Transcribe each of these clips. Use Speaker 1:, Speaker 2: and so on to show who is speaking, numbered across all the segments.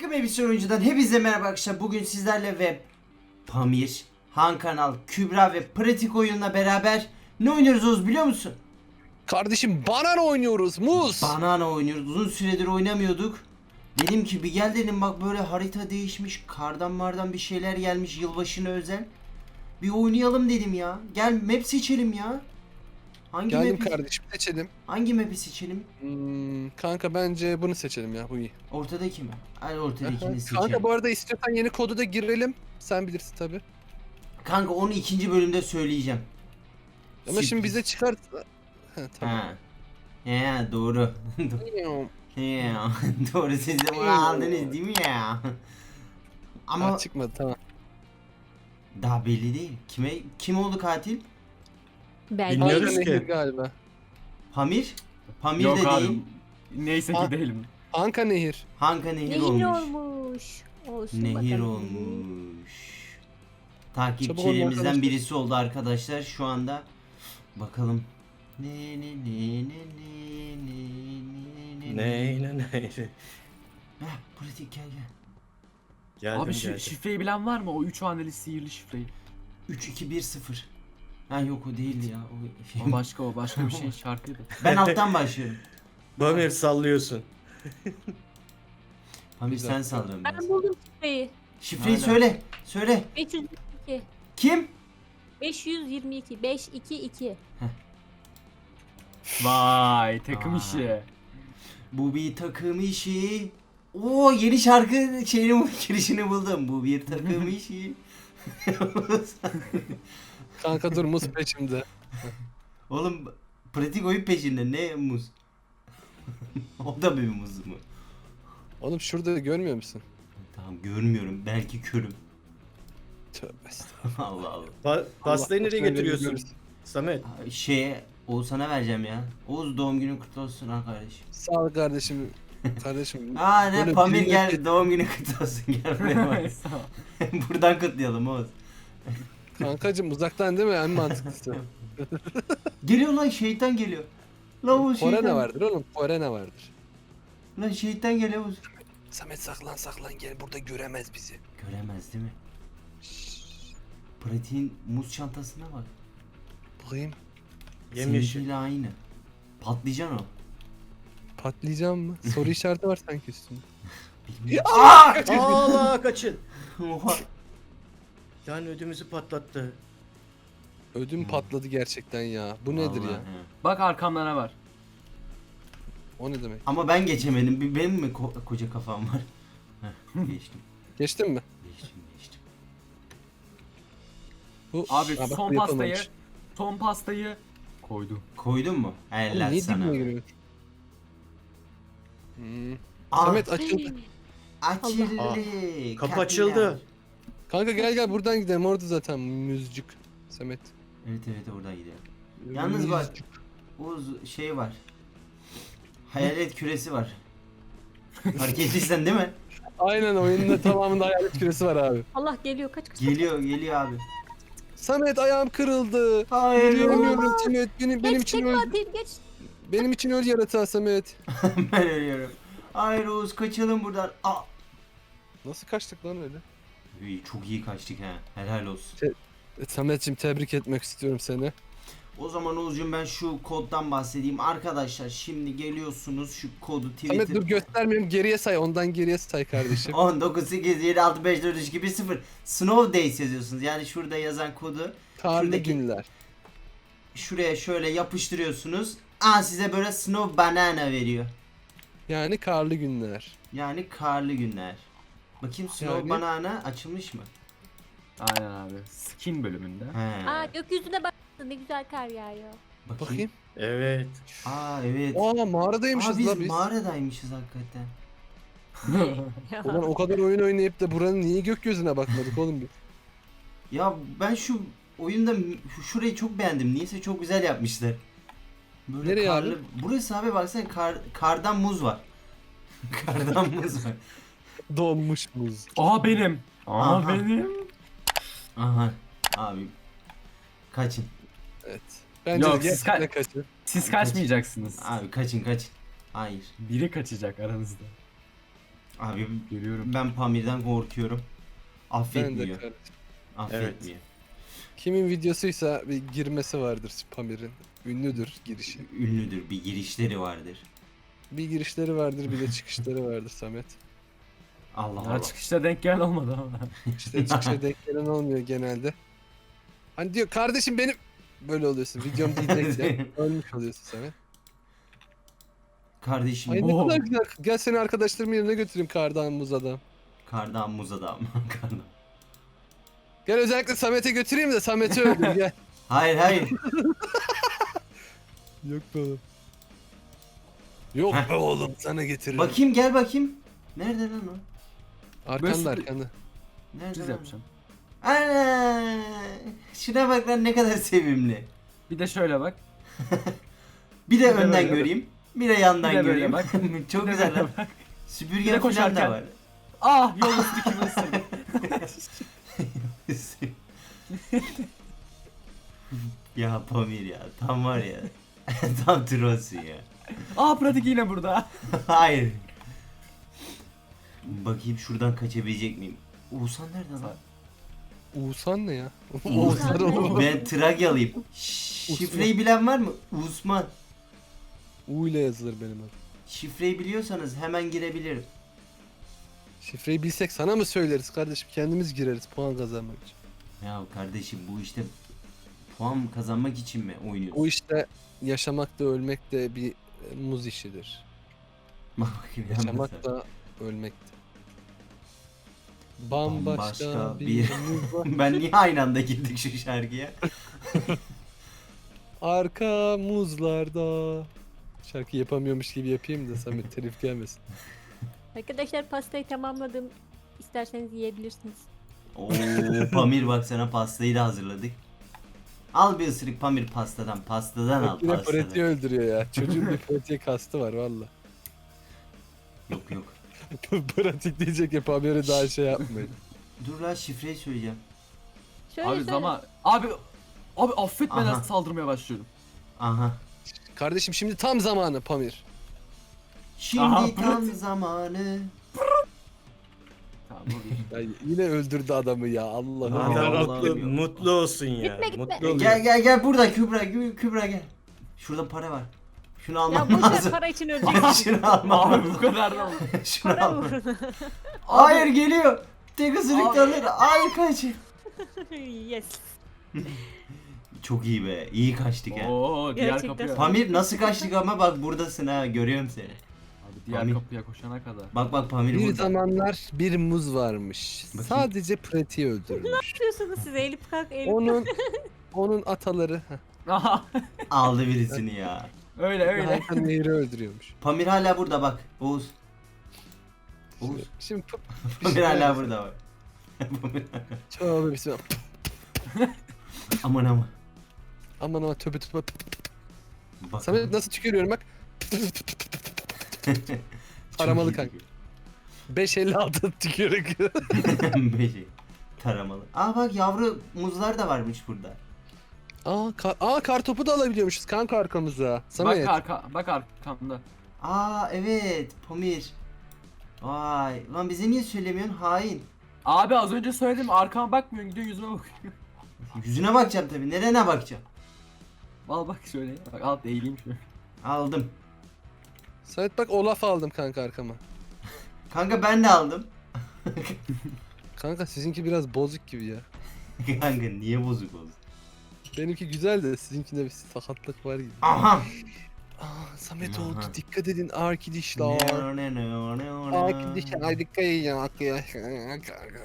Speaker 1: Takım Elbise Oyuncu'dan hepinize merhaba arkadaşlar. Bugün sizlerle ve Pamir, Han Kanal, Kübra ve Pratik Oyun'la beraber ne oynuyoruz Oğuz biliyor musun?
Speaker 2: Kardeşim banana oynuyoruz muz.
Speaker 1: Banana oynuyoruz. Uzun süredir oynamıyorduk. Dedim ki bir gel dedim, bak böyle harita değişmiş. Kardan mardan bir şeyler gelmiş yılbaşına özel. Bir oynayalım dedim ya. Gel map seçelim ya. Hangi
Speaker 2: Geldim
Speaker 1: map'i,
Speaker 2: kardeşim seçelim.
Speaker 1: hangi map'i seçelim?
Speaker 2: Kanka bence bunu seçelim ya, bu iyi.
Speaker 1: Ortadaki mi? Hadi ortadakini seçelim.
Speaker 2: Kanka bu arada istiyorsan yeni kodu da girelim. Sen bilirsin tabi.
Speaker 1: Kanka onu ikinci bölümde söyleyeceğim.
Speaker 2: Ama
Speaker 1: Sürpriz.
Speaker 2: şimdi bize çıkar. Tamam.
Speaker 1: Ha. Ya doğru. Ya doğru, siz de bunu aldınız değil mi ya? Ama
Speaker 2: Çıkmadı, tamam.
Speaker 1: daha belli değil. Kim oldu katil?
Speaker 3: Belki.
Speaker 4: Bilmiyoruz
Speaker 2: Kanka
Speaker 4: ki.
Speaker 2: Nehir galiba.
Speaker 1: Pamir? Pamir
Speaker 4: Yok
Speaker 1: de
Speaker 4: abi.
Speaker 1: değil.
Speaker 4: Neyse
Speaker 2: Aa.
Speaker 4: ki değilim.
Speaker 2: Anka Nehir.
Speaker 1: Hanka Nehir,
Speaker 3: Nehir
Speaker 1: olmuş.
Speaker 3: olmuş. Olsun
Speaker 1: Nehir
Speaker 3: bakalım.
Speaker 1: olmuş.
Speaker 2: Çabuk olun
Speaker 1: Takipçilerimizden
Speaker 2: arkadaşlar.
Speaker 1: birisi oldu arkadaşlar şu anda. Bakalım. Ne. Heh, pratik gel gel.
Speaker 4: Abi
Speaker 1: şey,
Speaker 4: şu şifreyi bilen var mı? O 3 haneli sihirli şifreyi.
Speaker 1: 3-2-1-0. Ha yok, o değildi ya.
Speaker 4: O başka bir şey şarkıydı.
Speaker 1: Ben alttan başlıyorum.
Speaker 5: Pamir sallıyorsun.
Speaker 1: Pamir
Speaker 2: Güzel.
Speaker 1: sen sallıyorsun
Speaker 3: Ben
Speaker 1: biraz.
Speaker 3: buldum şifreyi.
Speaker 1: Şifreyi
Speaker 4: Hala.
Speaker 1: söyle. Söyle.
Speaker 3: 522.
Speaker 1: Kim?
Speaker 3: 522. 522.
Speaker 4: Vay takım
Speaker 1: Aa.
Speaker 4: işi.
Speaker 1: Bu bir takım işi. Oo, yeni şarkı girişini buldum. Bu bir takım işi.
Speaker 2: Kanka dur muz peşimde.
Speaker 1: Oğlum pratik oyun peşinde, ne muz? O da bir muz mu?
Speaker 2: Oğlum şurada görmüyor musun?
Speaker 1: Tamam, görmüyorum. Belki körüm.
Speaker 2: Tövbe estağfurullah.
Speaker 1: Allah Allah.
Speaker 5: Pastayı
Speaker 2: Allah
Speaker 5: nereye
Speaker 2: korusun,
Speaker 5: götürüyorsun?
Speaker 2: görürüz.
Speaker 5: Samet.
Speaker 1: Oğuzhan'a vereceğim ya. Oğuz, doğum günün kutlu olsun ha kardeşim.
Speaker 2: Sağ ol kardeşim. Kardeşim.
Speaker 1: Aa ne,
Speaker 2: böyle
Speaker 1: Pamir
Speaker 2: bilindik-
Speaker 1: gel, doğum günün kutlu olsun, gel buraya bak. Buradan kutlayalım Oğuz.
Speaker 2: Kankacım uzaktan değil mi en mantıklısı?
Speaker 1: Geliyor lan, şeytan geliyor. Lan Oğuz,
Speaker 2: Porene
Speaker 1: şeytan.
Speaker 2: vardır oğlum, porene vardır.
Speaker 1: Lan şeytan geliyor Oğuz.
Speaker 2: Samet saklan gel, burada göremez bizi.
Speaker 1: Göremez değil mi? Pratiğin muz çantasına bak.
Speaker 2: Bakayım.
Speaker 5: Yemyeşil.
Speaker 1: Seninkiyle aynı. Patlıcan o.
Speaker 2: Patlayacağım mı? Soru işareti var sanki üstünde.
Speaker 1: Bilmiyorum.
Speaker 5: Allah kaçın.
Speaker 1: Oha.
Speaker 5: Yani ödümüzü patlattı.
Speaker 2: Ödüm patladı gerçekten ya. Bu nedir
Speaker 1: Vallahi
Speaker 2: ya?
Speaker 1: he.
Speaker 4: Bak arkamda ne var?
Speaker 2: O ne demek?
Speaker 1: Ama ben geçemedim. Benim mi koca kafam var? Heh, geçtim.
Speaker 2: Geçtin mi?
Speaker 1: Geçtim.
Speaker 2: Bu
Speaker 4: Abi
Speaker 2: Ha, bak,
Speaker 4: son
Speaker 2: bu
Speaker 4: pastayı
Speaker 2: yapılmamış.
Speaker 4: koydum.
Speaker 1: Koydun mu?
Speaker 2: Oğlum,
Speaker 1: Helal
Speaker 2: niye
Speaker 1: sana.
Speaker 2: dibine giriyor?
Speaker 1: Aa,
Speaker 2: Samet açıldı.
Speaker 1: açıldı.
Speaker 5: Kapı
Speaker 1: Kapılar.
Speaker 5: açıldı.
Speaker 2: Kanka gel buradan gidelim, orada zaten müzcük. Samet.
Speaker 1: Evet oradan gidelim. Yalnız bak,
Speaker 2: Müzcük.
Speaker 1: Oğuz şey var. Hayalet küresi var. Fark ettiysen değil mi?
Speaker 2: Aynen, oyunun tamamında hayalet küresi var abi.
Speaker 3: Allah geliyor, kaç.
Speaker 1: Geliyor abi.
Speaker 2: Samet ayağım kırıldı.
Speaker 1: Hayır.
Speaker 2: Ölüyorum Samet. Benim
Speaker 3: Geç
Speaker 2: için
Speaker 3: tek
Speaker 2: öl.
Speaker 3: katil geç.
Speaker 2: Benim için öl yaratığa Samet.
Speaker 1: Ben ölüyorum. Hayır Oğuz, kaçalım buradan. Aa.
Speaker 2: Nasıl kaçtık lan öyle?
Speaker 1: İyi, çok iyi kaçtık ha. Helal olsun.
Speaker 2: Samet'cim tebrik etmek istiyorum seni.
Speaker 1: O zaman Oğuz'cum ben şu koddan bahsedeyim. Arkadaşlar şimdi geliyorsunuz, şu kodu
Speaker 2: Samet dur
Speaker 1: Twitter
Speaker 2: göstermiyorum, geriye say, ondan geriye say kardeşim.
Speaker 1: 19 8 7 6 5 4 3 2 1 0 Snow Days yazıyorsunuz. Yani şurada yazan kodu
Speaker 2: Karlı
Speaker 1: şuradaki-
Speaker 2: günler.
Speaker 1: şuraya şöyle yapıştırıyorsunuz. Aa, size böyle Snow Banana veriyor.
Speaker 2: Yani karlı günler.
Speaker 1: Yani karlı günler. Bakayım Snow
Speaker 2: Yani-
Speaker 1: Banana açılmış mı?
Speaker 4: Aynen abi. Skin bölümünde.
Speaker 1: He.
Speaker 3: Aa, gökyüzüne bak. Ne güzel kar yağıyor.
Speaker 2: Bakayım.
Speaker 5: Evet.
Speaker 1: Aa evet.
Speaker 2: Aa mağaradaymışız
Speaker 1: Aa, biz
Speaker 2: la biz.
Speaker 1: mağaradaymışız hakikaten.
Speaker 2: Ulan o kadar oyun oynayıp da buranın niye gökyüzüne bakmadık oğlum biz?
Speaker 1: Ya ben şu oyunda şurayı çok beğendim. Niyeyse çok güzel yapmışlar. Böyle
Speaker 2: Nereye
Speaker 1: karlı.
Speaker 2: abi?
Speaker 1: Burası abi, baksana kardan muz var. Kardan muz var.
Speaker 2: Donmuş buz.
Speaker 4: Aa benim. Aa
Speaker 1: Aha.
Speaker 4: benim.
Speaker 1: Aha abi. Kaçın.
Speaker 2: Evet. Bence
Speaker 4: Yok,
Speaker 2: de
Speaker 4: siz
Speaker 2: gerçekten kaçın.
Speaker 4: Siz kaçmayacaksınız.
Speaker 1: Abi kaçın. Hayır.
Speaker 4: Biri kaçacak aranızda.
Speaker 1: Abi
Speaker 4: Geliyorum.
Speaker 1: ben Pamir'den korkuyorum.
Speaker 2: Ben de
Speaker 1: Affetmiyor.
Speaker 2: kardeşim.
Speaker 1: Affetmiyor.
Speaker 2: Kimin videosuysa bir girmesi vardır Pamir'in. Ünlüdür girişi.
Speaker 1: Ünlüdür. Bir girişleri vardır.
Speaker 2: Bir girişleri vardır bir de çıkışları vardır Samet.
Speaker 1: Allah
Speaker 4: Daha
Speaker 1: Allah.
Speaker 4: çıkışta denk gelen olmadı ama.
Speaker 2: İşte çıkışa denk gelen olmuyor genelde. Hani diyor kardeşim benim... Böyle oluyorsun. Videom diyecekse ölmüş oluyorsun Samet.
Speaker 1: Kardeşim
Speaker 2: Ay ne
Speaker 4: Oo.
Speaker 2: kadar güzel. Gel seni arkadaşlarımın yanına götüreyim kardan muz adam.
Speaker 1: kardan muz adam. Kardan.
Speaker 2: Gel özellikle Samet'e götüreyim de Samet'i öldür gel.
Speaker 1: Hayır hayır.
Speaker 2: Yok be oğlum. Yok be oğlum sana getiririm.
Speaker 1: Bakayım gel bakayım. Nerede lan o?
Speaker 2: Arkanda
Speaker 4: Böyle-
Speaker 2: arkanda.
Speaker 1: Nerede
Speaker 4: Düz
Speaker 1: lan?
Speaker 4: yapacağım.
Speaker 1: Ana! Şuna bak lan ne kadar sevimli.
Speaker 4: Bir de şöyle bak.
Speaker 1: Bir de
Speaker 4: Bir de
Speaker 1: önden
Speaker 4: böyle bak.
Speaker 1: göreyim. Bir de yandan
Speaker 4: Bir de böyle
Speaker 1: göreyim.
Speaker 4: bak.
Speaker 1: Çok
Speaker 4: Bir de
Speaker 1: güzel
Speaker 4: böyle
Speaker 1: lan.
Speaker 4: bak.
Speaker 1: Süpürge
Speaker 4: Bir de
Speaker 1: falan da
Speaker 4: koşarken.
Speaker 1: var.
Speaker 4: Ah yol üstü kimi ısırdı.
Speaker 1: Ya Pamir ya tam var ya. Tam trollsün ya.
Speaker 4: Ah pratik yine burada.
Speaker 1: Hayır. Bakayım şuradan kaçabilecek miyim? Oğuzhan nerede lan?
Speaker 2: Oğuzhan ne ya?
Speaker 1: Oğuzhan.
Speaker 2: Oğuzhan oğlum.
Speaker 1: Ben Trakyalıyım. Şifreyi bilen var mı? Uzman.
Speaker 2: U ile yazılır benim adım.
Speaker 1: Şifreyi biliyorsanız hemen girebilirim.
Speaker 2: Şifreyi bilsek sana mı söyleriz kardeşim? Kendimiz gireriz puan kazanmak için.
Speaker 1: Ya kardeşim bu işte puan kazanmak için mi oynuyorsun?
Speaker 2: O işte yaşamak da ölmek de bir muz işidir.
Speaker 1: Bak bakayım ya
Speaker 2: Yaşamak
Speaker 1: mesela.
Speaker 2: da ölmek de. Bambaşka
Speaker 1: Bambaşka
Speaker 2: bir
Speaker 1: bir-
Speaker 2: muz var.
Speaker 1: Ben niye aynı anda girdik şu şarkıya?
Speaker 2: Arka muzlarda. Şarkı yapamıyormuş gibi yapayım da Samet telif gelmesin.
Speaker 3: Arkadaşlar pastayı tamamladım. İsterseniz yiyebilirsiniz.
Speaker 1: Oo Pamir bak sana pastayı da hazırladık. Al bir ısırık Pamir pastadan. Pastadan al
Speaker 2: Bak yine
Speaker 1: pastadan.
Speaker 2: pratiği öldürüyor ya. Çocuğun bir pratiğe kastı var valla.
Speaker 1: Yok yok.
Speaker 2: Pratik diyecek ya haberi daha şey yapmayın.
Speaker 1: Dur lan şifreyi söyleyeceğim.
Speaker 3: Şöyle
Speaker 4: Abi
Speaker 3: söyle.
Speaker 4: zaman. Abi affetmeden
Speaker 1: Aha.
Speaker 4: saldırmaya başlıyorum.
Speaker 1: Aha.
Speaker 2: Kardeşim şimdi tam zamanı Pamir.
Speaker 1: Şimdi
Speaker 4: Aha,
Speaker 1: tam
Speaker 4: pratik.
Speaker 1: zamanı.
Speaker 4: Tamam dur.
Speaker 2: Ya yine öldürdü adamı ya Allah'ım.
Speaker 1: Adam
Speaker 2: ya.
Speaker 5: Adam
Speaker 1: Vallahi
Speaker 5: mutlu,
Speaker 1: bilmiyorum.
Speaker 5: mutlu olsun ya.
Speaker 3: Gitme, gitme.
Speaker 5: Mutlu oluyor.
Speaker 1: Gel burada Kübra Kübra gel. Şurada para var. Şunu
Speaker 3: Ya
Speaker 1: almam
Speaker 3: boş ver
Speaker 1: lazım.
Speaker 3: para için öleceksin.
Speaker 1: Şunu almam
Speaker 4: Abi bu
Speaker 1: lazım.
Speaker 4: kadar da oldu.
Speaker 1: Şunu
Speaker 3: Para
Speaker 1: almam.
Speaker 3: uğruna.
Speaker 1: Hayır geliyor. Tek ısırık
Speaker 4: Abi.
Speaker 1: alır. Hayır kaç.
Speaker 3: Yes.
Speaker 1: Çok iyi be. İyi kaçtık ha.
Speaker 4: Oo diğer
Speaker 3: Gerçekten.
Speaker 4: kapıya.
Speaker 1: Pamir nasıl kaçtık ama bak buradasın ha. Görüyorum seni.
Speaker 4: Abi diğer
Speaker 1: Pamir.
Speaker 4: kapıya koşana kadar.
Speaker 1: Bak Pamir
Speaker 2: Bir
Speaker 1: burada.
Speaker 2: zamanlar bir muz varmış.
Speaker 1: Bakayım.
Speaker 2: Sadece pratiği öldürmüş.
Speaker 3: Yapıyorsunuz siz Elif kalk Elif.
Speaker 2: Onun ataları
Speaker 4: Aha
Speaker 1: Aldı birisini ya.
Speaker 4: öyle.
Speaker 2: Hakan Nehir'i öldürüyormuş.
Speaker 1: Pamir hala burada bak. Oğuz. Oğuz.
Speaker 2: Şimdi
Speaker 1: Pamir hala burada bak.
Speaker 2: Tövbe bismillah.
Speaker 1: Aman aman.
Speaker 2: Aman aman tövbe tövbe.
Speaker 1: Bak.
Speaker 2: Samet nasıl tükürüyorum bak. Taramalı kanka. 5.56 tükürük.
Speaker 1: Beşi. Taramalı. Aa bak yavru muzlar da varmış burada.
Speaker 2: Kar topu da alabiliyormuşuz kanka arkamıza. Samet.
Speaker 4: Bak arkamda.
Speaker 1: Aa evet Pamir. Vay. Lan bize niye söylemiyorsun? Hain.
Speaker 4: Abi az önce söyledim arkama bakmıyorsun gidiyor yüzüme bakıyor.
Speaker 1: Yüzüne bakacağım tabii. Nerene bakacağım?
Speaker 4: Al bak şöyle. Bak alt eğileyim şöyle.
Speaker 1: Aldım.
Speaker 2: Samet bak Olaf aldım kanka arkama.
Speaker 1: Kanka ben de aldım.
Speaker 2: Kanka sizinki biraz bozuk gibi ya.
Speaker 1: Kanka niye bozuk olsun?
Speaker 2: Benimki güzel de sizinkinde bir sakatlık var gibi.
Speaker 1: Aha.
Speaker 2: Samet
Speaker 1: Aha.
Speaker 2: oldu dikkat edin arkadaşlar. Arkadaşlar dikkat edin arkadaşlar.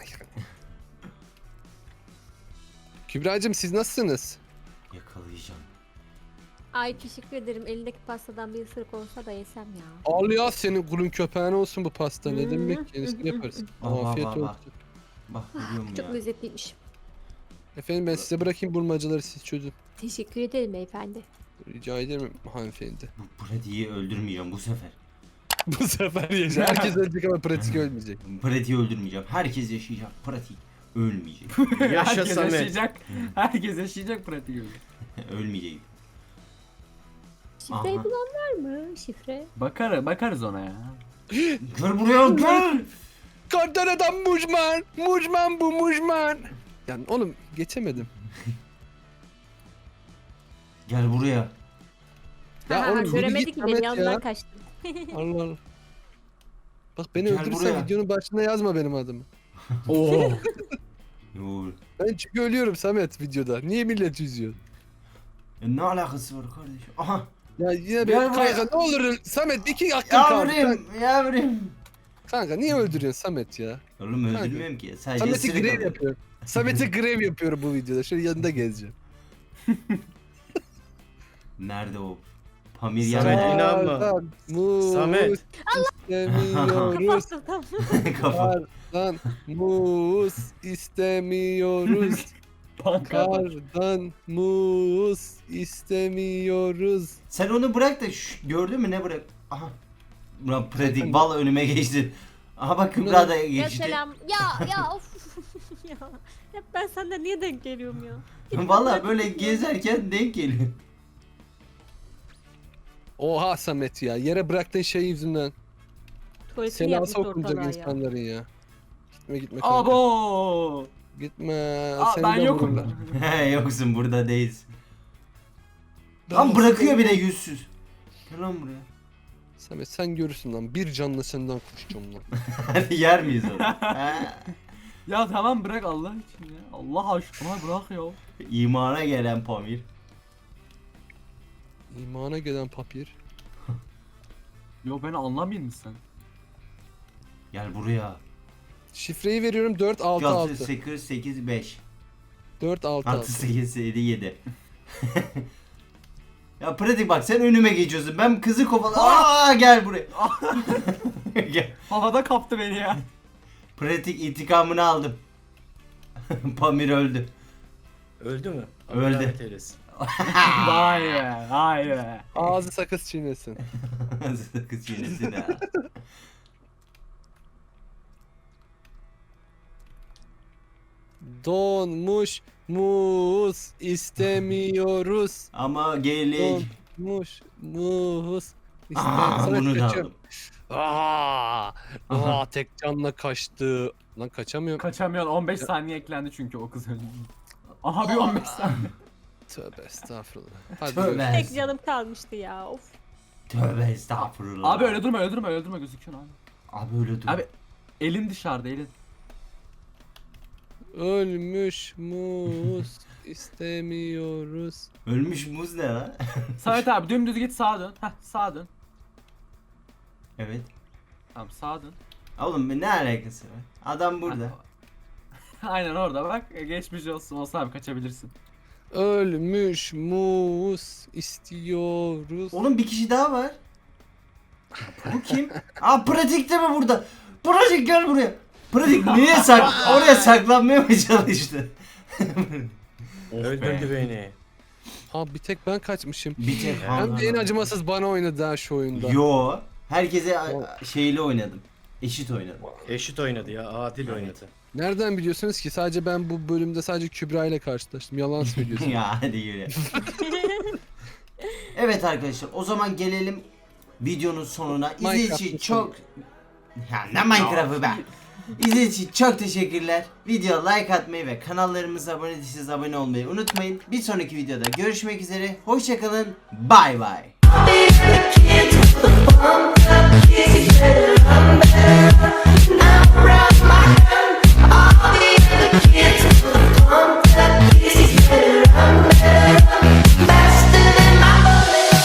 Speaker 2: Kübra'cığım siz nasılsınız?
Speaker 1: Yakalayacağım.
Speaker 3: Ay teşekkür ederim. Elindeki pastadan bir ısırık olsa da yesem ya.
Speaker 2: Al ya senin kulun köpeğine olsun bu pasta ne demek yenisini yaparız.
Speaker 1: Bak,
Speaker 2: Afiyet
Speaker 1: bak,
Speaker 2: olsun.
Speaker 1: bak. Bak biliyorum
Speaker 3: Çok
Speaker 1: ya.
Speaker 3: lezzetliymiş.
Speaker 2: Efendim ben size bırakayım bulmacaları siz çözün.
Speaker 3: Teşekkür ederim beyefendi.
Speaker 2: Rica ederim hanımefendi.
Speaker 1: Bu pratiği öldürmeyeceğim bu sefer.
Speaker 2: Bu sefer yaşa. Herkes ölecek ama pratik ölmeyecek.
Speaker 1: Pratiği öldürmeyeceğim. Herkes yaşayacak. Pratik ölmeyecek.
Speaker 5: Yaşa
Speaker 4: Herkes
Speaker 5: Samet.
Speaker 4: yaşayacak. Herkes yaşayacak pratik öyle.
Speaker 1: Ölmeyecek.
Speaker 3: Şifreyi
Speaker 1: Aha.
Speaker 3: bulan var mı? Şifre.
Speaker 4: Bakarız ona ya.
Speaker 1: Gel buraya gel.
Speaker 2: Kardan adam mujman. Mujman bu mujman. Yani oğlum geçemedim.
Speaker 1: Gel buraya.
Speaker 2: Ya oğlum yürü
Speaker 3: Göremedi
Speaker 2: git
Speaker 3: ki beni
Speaker 2: Samet
Speaker 3: yanından
Speaker 2: ya.
Speaker 3: kaçtım.
Speaker 2: Allah Allah. Bak beni
Speaker 1: Gel
Speaker 2: öldürürsen
Speaker 1: buraya.
Speaker 2: videonun başına yazma benim adımı.
Speaker 4: Oo.
Speaker 1: Yo.
Speaker 2: Ben çünkü ölüyorum Samet videoda. Niye millet üzüyor?
Speaker 1: Ne alakası var kardeşim? Aha.
Speaker 2: Ya yine
Speaker 1: Gel
Speaker 2: bir
Speaker 1: buraya.
Speaker 2: kanka ne olur Samet 2 hakkın kaldı.
Speaker 1: Yavrum. Yavrum.
Speaker 2: Kanka niye öldürüyorsun Samet ya?
Speaker 1: Oğlum öldürmüyorum ki. Sadece
Speaker 2: Samet'i
Speaker 1: ısırık
Speaker 2: grev
Speaker 1: alıyorum.
Speaker 2: yapıyor. Samet'i grev yapıyor bu videoda. Şöyle yanında gezeceğim.
Speaker 1: Nerede o? Pamir
Speaker 5: Samet,
Speaker 1: yanında.
Speaker 5: inanma.
Speaker 2: Kardan muz
Speaker 5: Samet.
Speaker 2: istemiyoruz.
Speaker 3: Kapattım tam.
Speaker 1: Kafa.
Speaker 2: Kardan muz istemiyoruz.
Speaker 4: Pankart.
Speaker 2: Kardan muz istemiyoruz.
Speaker 1: Sen onu bırak da gördün mü ne bırak? Aha. Ulan pratik
Speaker 2: Zaten-
Speaker 1: vallahi önüme geçti. Aha bak Kübra da
Speaker 3: Ya
Speaker 1: geçti.
Speaker 3: selam. Ya of. Ya. Hep ben senden niye denk geliyorum ya?
Speaker 1: Vallahi böyle gezerken denk geliyor.
Speaker 2: Oha Samet ya. Yere bıraktığın şey yüzünden.
Speaker 3: Tuvaletini
Speaker 2: Seni
Speaker 3: yapmış
Speaker 2: asıl okunacak
Speaker 3: ortalığa ya.
Speaker 2: insanların ya. Gitme kanka.
Speaker 4: Abo.
Speaker 2: Gitme.
Speaker 4: Aa,
Speaker 2: Seni
Speaker 4: ben
Speaker 2: de
Speaker 4: yokum.
Speaker 2: vururlar.
Speaker 1: He yoksun burada değilsin. Lan bırakıyor bir de yüzsüz. Gel lan buraya.
Speaker 2: Samet sen görürsün lan. Bir canlı senden koşacağım lan.
Speaker 1: Hadi yer miyiz onu? He.
Speaker 4: Ya tamam bırak Allah için ya. Allah aşkına bırak ya.
Speaker 1: İmana gelen Pamir.
Speaker 2: İmana gelen papir.
Speaker 4: Yo beni anlamayın mı sen?
Speaker 1: Gel buraya.
Speaker 2: Şifreyi veriyorum 4 6
Speaker 1: 6
Speaker 2: 6.
Speaker 1: 8 8 5.
Speaker 2: 4 6
Speaker 1: 6
Speaker 2: 6.
Speaker 1: 8 7 7. Ya pratik bak sen önüme geçiyorsun. Ben kızı kovala. Aa gel buraya. Gel.
Speaker 4: Havada kaptı beni ya.
Speaker 1: Pratik intikamını aldım. Pamir öldü.
Speaker 5: Öldü mü?
Speaker 1: Öldü.
Speaker 5: rahmet eylesin.
Speaker 4: Vay be, vay be.
Speaker 2: Ağzı sakız çiğnesin.
Speaker 1: Kız çiğnesin ha.
Speaker 2: Donmuş muz istemiyoruz.
Speaker 1: Ama gelik.
Speaker 2: Donmuş muz
Speaker 1: Aa,
Speaker 2: istemiyoruz.
Speaker 1: bunu da aldım.
Speaker 2: Aa, tek canla kaçtı. Lan kaçamıyorum.
Speaker 4: Kaçamıyorsun 15 saniye eklendi çünkü o kız öldü. Aha bir 15 saniye.
Speaker 2: Tövbe estağfurullah. Hadi
Speaker 1: Tövbe.
Speaker 2: görüşürüz.
Speaker 3: Tek canım kalmıştı ya. Of.
Speaker 1: Tövbe estağfurullah.
Speaker 4: Abi öyle durma öyle durma öyle durma gözüküyorsun abi.
Speaker 1: Abi öyle dur.
Speaker 4: Abi elin dışarıda elin.
Speaker 2: Ölmüş muz istemiyoruz.
Speaker 1: Ölmüş muz ne lan?
Speaker 4: Samet abi dümdüz git sağa dön. Heh sağa dön.
Speaker 1: Evet.
Speaker 4: Tamam sağa dön.
Speaker 1: Oğlum ne alakası var? Adam burada.
Speaker 4: Aynen orada bak geçmiş olsun olsa abi kaçabilirsin.
Speaker 2: Ölmüş muz istiyoruz.
Speaker 1: Oğlum bir kişi daha var. Bu kim? Aa pratik de mi burada? Pratik gel buraya. Pratik niye oraya saklanmaya mı çalıştı?
Speaker 5: Öldürdü beni.
Speaker 2: Abi bir tek ben kaçmışım.
Speaker 1: Bir tek
Speaker 2: Hem de en acımasız bana oynadı ha şu oyunda.
Speaker 1: Yo. Herkese şeyli oynadım. Eşit oynadım.
Speaker 5: Eşit oynadı ya. Adil oynadı.
Speaker 2: Nereden biliyorsunuz ki? Sadece ben bu bölümde sadece Kübra ile karşılaştım. Yalan söylüyorsun.
Speaker 1: Ya hadi yürü. Evet arkadaşlar o zaman gelelim videonun sonuna. İzlediğiniz için
Speaker 2: Minecraft'ın
Speaker 1: çok... Ya ne Minecraft'ı be. İzlediğiniz için çok teşekkürler. Video like atmayı ve kanallarımıza abone değilseniz abone olmayı unutmayın. Bir sonraki videoda görüşmek üzere. Hoşçakalın. Bay bay.